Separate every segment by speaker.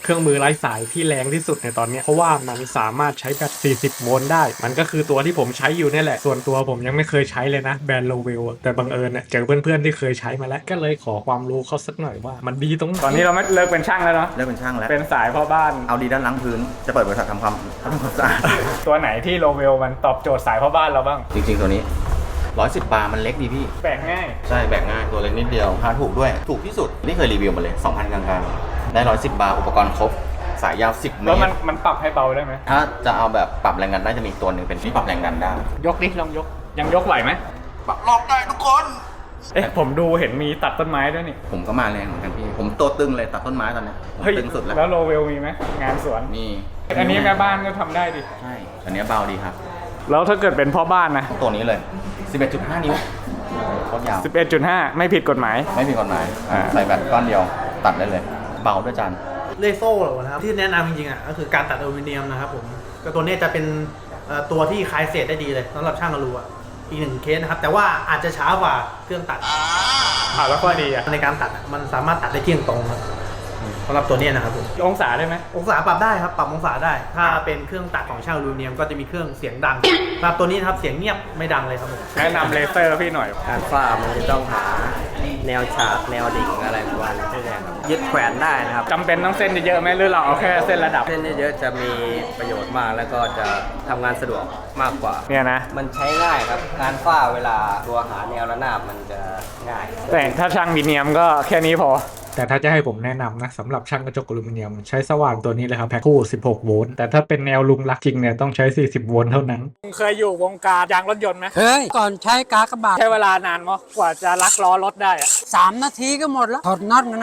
Speaker 1: เครื่องมือไร้สายที่แรงที่สุดในตอนนี้เพราะว่ามันสามารถใช้แบต40 โวลต์ได้มันก็คือตัวที่ผมใช้อยู่นี่แหละส่วนตัวผมยังไม่เคยใช้เลยนะแบรนด์โลเวลแต่บังเอิญเนี่ยเจอเพื่อนๆที่เคยใช้มาแล้วก็เลยขอความรู้เขาสักหน่อยว่ามันดีตรงไหนตอนนี้เราไม่เลิกเป็นช่างแล้วเนาะ
Speaker 2: เลิกเป็นช่างแล้ว
Speaker 1: เป็นสายพ่อบ้าน
Speaker 2: เอาดีด้านล้างพื้นจะเปิดบริษัททำความสะอาด
Speaker 1: ตัวไหนที่โลเวลมันตอบโจทย์สายพ่อบ้านเราบ้าง
Speaker 2: จริงๆตัวนี้110 บาร์มันเล็กดีพี่
Speaker 1: แบกง่าย
Speaker 2: ใช่แบกง่ายตัวเล็กนิดเดียวราคาถูกด้วยถูกที่สุดนี่เคยรีวิวมาเลย 2,000 กลางๆได้110 บาร์อุปกรณ์ครบสายยาว10 เม
Speaker 1: แล้ว
Speaker 2: ตร
Speaker 1: มันปรับให้เบาได้ไหม
Speaker 2: ถ้าจะเอาแบบปรับแรงดันได้จะมีตัวหนึ่งเป็นที่ปรับแรงดันได้
Speaker 1: ยกดิลองยกยังยกไหวไหม
Speaker 2: ปรับรอบได้ทุกคน
Speaker 1: เอ๊ะผมดูเห็นมีตัดต้นไม้ด้วยนี่
Speaker 2: ผมก็มาแรงเหมือนกันพี่ผมตัวตึงเลยตัดต้นไม้ตอนนี้ผม
Speaker 1: เฮ้ย
Speaker 2: ตึงสุดแล้ว
Speaker 1: แล้วโลเวลมีไหมงานสวน
Speaker 2: มี
Speaker 1: อันนี้แม่บ้านก็ทำได้ดิ
Speaker 2: ใช่อันนี้เบาดีครับ
Speaker 1: แล้วถ้าเกิดเป็นพ่อบ้านนะ
Speaker 2: ตัวนี้เลย 11.5 นิ้วโคตรยาว
Speaker 1: 11.5 ไม่ผิดกฎหมาย
Speaker 2: ไม่มีกฎหมายใส่แบตก้อนเดียวตัดได้เลย เบาด้วยจาน
Speaker 3: เลโซ่นะครับที่แนะนำจริงๆอ่ะก็คือการตัดอลูมิเนียมนะครับผมก็ตัวนี้จะเป็นตัวที่คลายเศษได้ดีเลยสำหรับช่างอลูอ่ะอีกหนึ่งเคสนะครับแต่ว่าอาจจะช้ากว่าเครื่องตัด
Speaker 1: แล้วก็ดีอ่ะ
Speaker 3: ในการตัดมันสามารถตัดได้เที่ยงตรงครับสำหรับตัวนี้นะครับผม
Speaker 1: องศาได้ไหม
Speaker 3: องศาปรับได้ครับปรับองศาได้ ถ้าเป็นเครื่องตัดของช่างอลูมิเนียมก็จะมีเครื่องเสียงดังสำหรับตัวนี้นะครับเสียงเงียบไม่ดังเลยครับผม
Speaker 1: แนะนำเลเซอร์พี่หน่อย
Speaker 4: การฝ้ามันจะต้องหาแนวฉากแนวดิ่งอะไรประมาณนี้ใช่ไหมครับยึดแขวนได้นะครับ
Speaker 1: จำเป็นต้องเส้นเยอะๆไหมหรือเราเอาแค่เส้นระดับ
Speaker 4: เส้นเยอะๆจะมีประโยชน์มากแล้วก็จะทำงานสะดวกมากกว่า
Speaker 1: เนี่ยนะ
Speaker 4: มันใช้ง่ายครับงานฝ้าเวลาตัวหาแนวระนาบมันจะง่าย
Speaker 1: แต่ถ้าช่างมีเนียมก็แค่นี้พอ แต่ถ้าจะให้ผมแนะนำนะสำหรับช่างกระจกอลูมิเนียมใช้สว่านตัวนี้เลยครับแพ็คคู่16 โวลต์แต่ถ้าเป็นแนวลุงรักจริงเนี่ยต้องใช้40 โวลต์เท่านั้นเคยอยู่วงการยางรถยนต์ไหม
Speaker 5: เฮ้ย ก่อนใช้กากบาท
Speaker 1: ใช้เวลานานมั้ยกว่าจะลักล้อรถได้อะ
Speaker 5: 3 นาทีก็หมดแล้ว ถอดน็อตนะ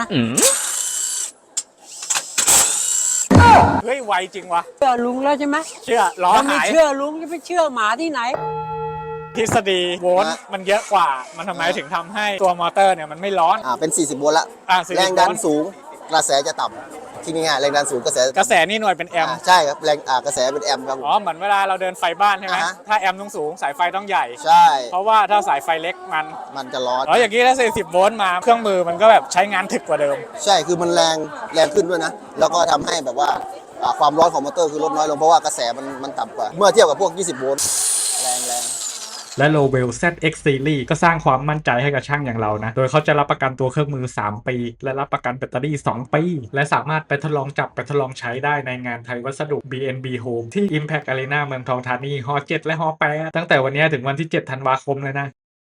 Speaker 1: เฮ้ยไวจริงวะ
Speaker 5: เชื่อลุงแล้วใช่ไหม
Speaker 1: เชื่อล้อ
Speaker 5: ถ้าไม่
Speaker 1: หาย
Speaker 5: เชื่อลุงจะไปเชื่อหมาที่ไหน
Speaker 1: ทฤษฎีโวลต์มันเยอะกว่ามันทำไมถึงทำให้ตัวมอเตอร์เนี่ยมันไม่ร้อน
Speaker 6: เป็น 40 โวลต์ละ
Speaker 1: 40
Speaker 6: แรงดัน
Speaker 1: โวลต์
Speaker 6: สูงกระแสจะต่ำที่ง่ายๆแรงดันสูงกระแส
Speaker 1: กระแสนี่หน่วยเป็นแอมป์
Speaker 6: ใช่ครับแรงกระแสเป็นแอมป์ครับผม
Speaker 1: อ๋อเหมือนเวลาเราเดินไฟบ้านใช่ไหม
Speaker 6: อ่าฮะ
Speaker 1: ถ้าแอมป์ต้องสูงสายไฟต้องใหญ่
Speaker 6: ใช่
Speaker 1: เพราะว่าถ้าสายไฟเล็กมัน
Speaker 6: มันจะร้อน
Speaker 1: อย่างนี้ถ้า40 โวลต์มาเครื่องมือมันก็แบบใช้งานถึกกว่าเดิม
Speaker 6: ใช่คือมันแรงขึ้นด้วยนะ แล้วก็ทำให้แบบว่าความร้อนของมอเตอร์คือลดน้อยลงเพราะว่ากระแสมันต่ำกว่า เมื่อเทียบกับพวก 20 โวลต์แรง
Speaker 1: และ Lowell ZX Series ก็สร้างความมั่นใจให้กับช่างอย่างเรานะ โดยเขาจะรับประกันตัวเครื่องมือ 3 ปี และรับประกันแบตเตอรี่ 2 ปี และสามารถไปทดลองจับไปทดลองใช้ได้ในงานไทยวัสดุ BNB Home ที่ Impact Arena เมืองทองธานีฮอ7และฮอ8ตั้งแต่วันนี้ถึงวันที่ 7 ธันวาคมเลยนะ